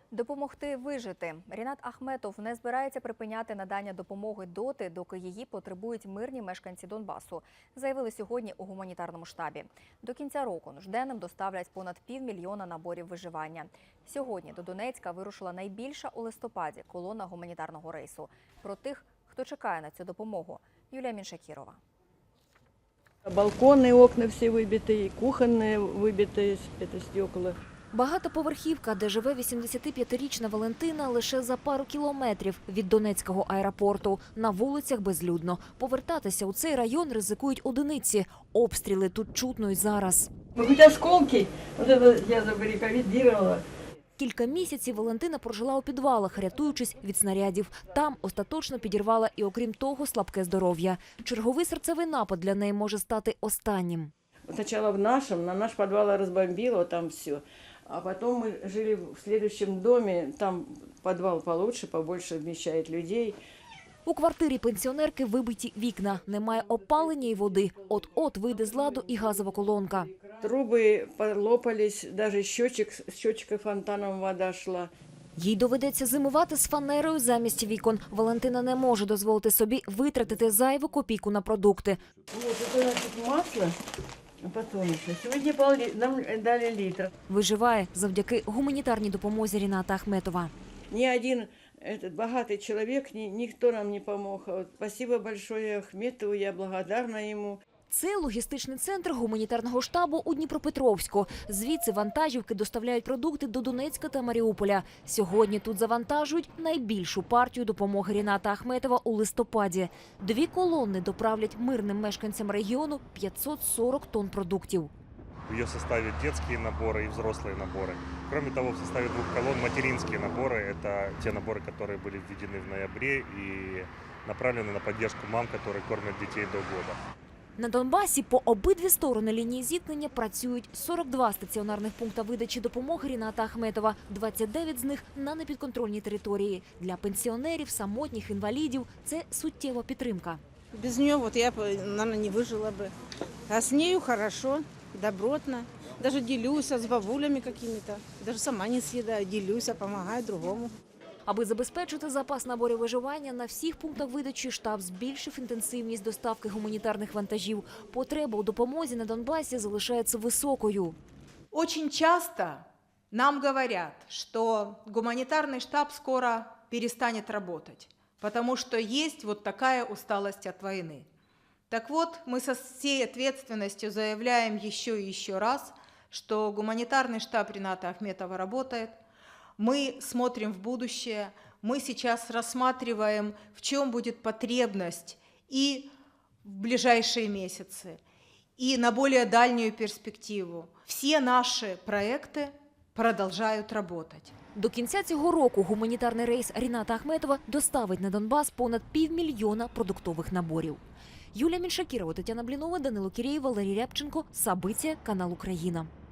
Допомогти вижити. Рінат Ахметов не збирається припиняти надання допомоги доти, доки її потребують мирні мешканці Донбасу, заявили сьогодні у гуманітарному штабі. До кінця року нужденним доставлять понад 500 000 наборів виживання. Сьогодні до Донецька вирушила найбільша у листопаді колона гуманітарного рейсу. Про тих, хто чекає на цю допомогу. Юлія Міншакірова. Балконы, окна все выбиты, кухонные выбиты, это стекла. Багатоповерхівка, де живе 85-річна Валентина, лише за пару кілометрів від Донецького аеропорту. На вулицях безлюдно. Повертатися у цей район ризикують одиниці. Обстріли тут чутно й зараз. Хоть осколки, вот это я забаррикадировала. Кілька місяців Валентина прожила у підвалах, рятуючись від снарядів. Там остаточно підірвала і, окрім того, слабке здоров'я. Черговий серцевий напад для неї може стати останнім. Сначала на наш подвал разбомбило, там все. А потом мы жили в следующем доме, там подвал получше, побольше вмещает людей. У квартирі пенсіонерки вибиті вікна, немає опалення і води. От-от вийде з ладу і газова колонка. Трубы полопались, даже с счетчика фонтаном вода шла. Їй доведеться зимувати з фанерою замість вікон. Валентина не може дозволити собі витратити зайву копійку на продукти. Вот это значит масло, подсолнечное. Сегодня нам дали литр. Виживає завдяки гуманітарній допомозі Ріната Ахметова. Ни один богатый человек, никто нам не помог. Вот спасибо большое Ахметову, я благодарна ему. Це логістичний центр гуманітарного штабу у Дніпропетровську. Звідси вантажівки доставляють продукти до Донецька та Маріуполя. Сьогодні тут завантажують найбільшу партію допомоги Ріната Ахметова у листопаді. 2 колони доправлять мирним мешканцям регіону 540 тонн продуктів. В ее составе детские наборы и взрослые наборы. Кроме того, в составе 2 колонн материнские наборы. Это те наборы, которые были введены в ноябре и направлены на поддержку мам, которые кормят детей до года. На Донбасі по обидві сторони лінії зіткнення працюють 42 стаціонарних пункти видачі допомоги Ріната Ахметова, 29 з них на непідконтрольній території. Для пенсіонерів, самотніх, інвалідів – це суттєва підтримка. Без нее вот я, наверное, не выжила бы. А с нею хорошо, добротно. Даже делюсь с бабулями какими-то. Даже сама не съедаю, делюсь, помогаю другому. Аби забезпечити запас наборів виживання, на всіх пунктах видачі штаб збільшив інтенсивність доставки гуманітарних вантажів. Потреба у допомозі на Донбасі залишається високою. Очень часто нам говорят, что гуманитарный штаб скоро перестанет работать, потому что есть вот такая усталость от войны. Так вот, мы со всей ответственностью заявляем еще и еще раз, что гуманитарный штаб Рината Ахметова работает. Мы смотрим в будущее, мы сейчас рассматриваем, в чем будет потребность и в ближайшие месяцы, и на более дальнюю перспективу. Все наши проекты продолжают работать. До кінця цього року гуманітарний рейс Ріната Ахметова доставить на Донбас понад 500 000 продуктових наборів. Юлія Міншакірова, Тетяна Блінова, Данило Кірєєв, Валерій Рябченко. Сабиття, канал Україна.